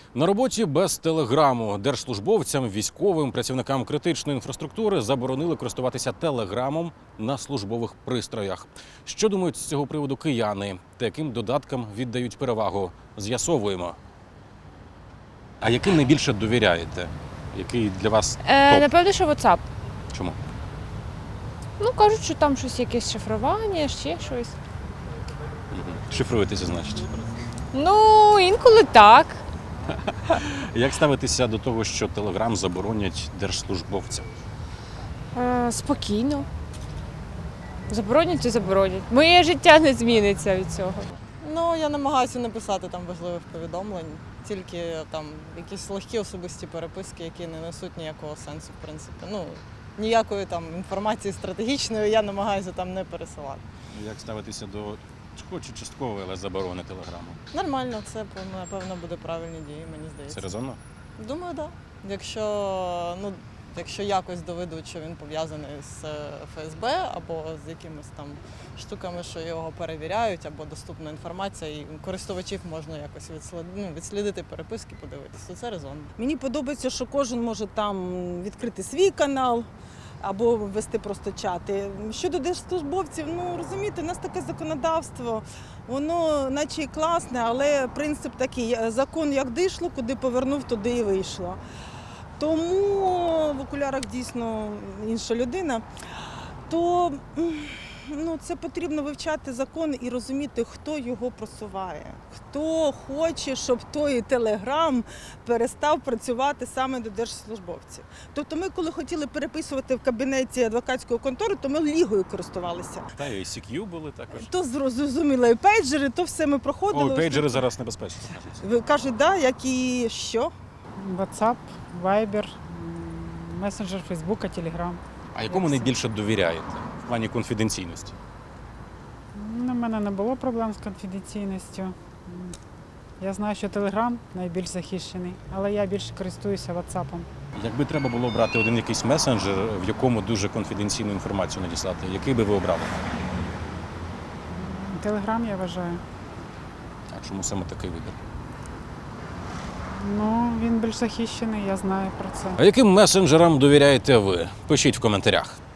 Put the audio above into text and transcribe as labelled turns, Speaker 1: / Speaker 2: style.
Speaker 1: На роботі без телеграму. Держслужбовцям, військовим, працівникам критичної інфраструктури заборонили користуватися телеграмом на службових пристроях. Що думають з цього приводу кияни та яким додаткам віддають перевагу? З'ясовуємо. А яким найбільше довіряєте? Який для вас топ?
Speaker 2: Напевно, що WhatsApp.
Speaker 1: Чому?
Speaker 2: Ну, кажуть, що там щось якесь шифрування, ще щось.
Speaker 1: Шифруєтеся, значить.
Speaker 2: Ну, інколи так.
Speaker 1: Як ставитися до того, що телеграм заборонять держслужбовцям?
Speaker 2: Спокійно. Заборонять і заборонять. Моє життя не зміниться від цього.
Speaker 3: Ну, я намагаюся не писати там важливих повідомлень, тільки там якісь легкі особисті переписки, які не несуть ніякого сенсу, в принципі. Ну, ніякої там інформації стратегічної я намагаюся там не пересилати.
Speaker 1: Як ставитися до хоч і часткової, але заборони телеграму?
Speaker 3: Нормально, це, напевно, буде правильні дії, мені
Speaker 1: Це
Speaker 3: здається.
Speaker 1: резонно?
Speaker 3: Думаю, так. Да. Якщо якось доведуть, що він пов'язаний з ФСБ або з якимись там штуками, що його перевіряють, або доступна інформація, і користувачів можна якось відслідити переписки, подивитися, то це резонно.
Speaker 4: Мені подобається, що кожен може там відкрити свій канал або вести просто чати. Щодо держслужбовців, ну розумієте, у нас таке законодавство, воно наче і класне, але принцип такий, закон як дійшло, куди повернув, туди і вийшло. Тому в окулярах дійсно інша людина, то це потрібно вивчати закон і розуміти, хто його просуває, хто хоче, щоб той телеграм перестав працювати саме до держслужбовців. Тобто ми, коли хотіли переписувати в кабінеті адвокатської контори, то ми лігою користувалися.
Speaker 1: Та і ICQ були також.
Speaker 4: То зрозуміло, і пейджери, то все ми проходили.
Speaker 1: Ой, пейджери зараз небезпечні.
Speaker 4: Ви кажуть, да, як і що?
Speaker 5: WhatsApp, Viber, месенджер Фейсбука, Telegram.
Speaker 1: А якому найбільше довіряєте в плані конфіденційності?
Speaker 5: У мене не було проблем з конфіденційністю. Я знаю, що Telegram найбільш захищений, але я більше користуюся WhatsApp.
Speaker 1: Якби треба було брати один якийсь месенджер, в якому дуже конфіденційну інформацію надіслати, який би ви обрали?
Speaker 5: Telegram, я вважаю.
Speaker 1: А чому саме такий вибір?
Speaker 5: Ну, він більш захищений, я знаю про це.
Speaker 1: А яким месенджерам довіряєте ви? Пишіть в коментарях.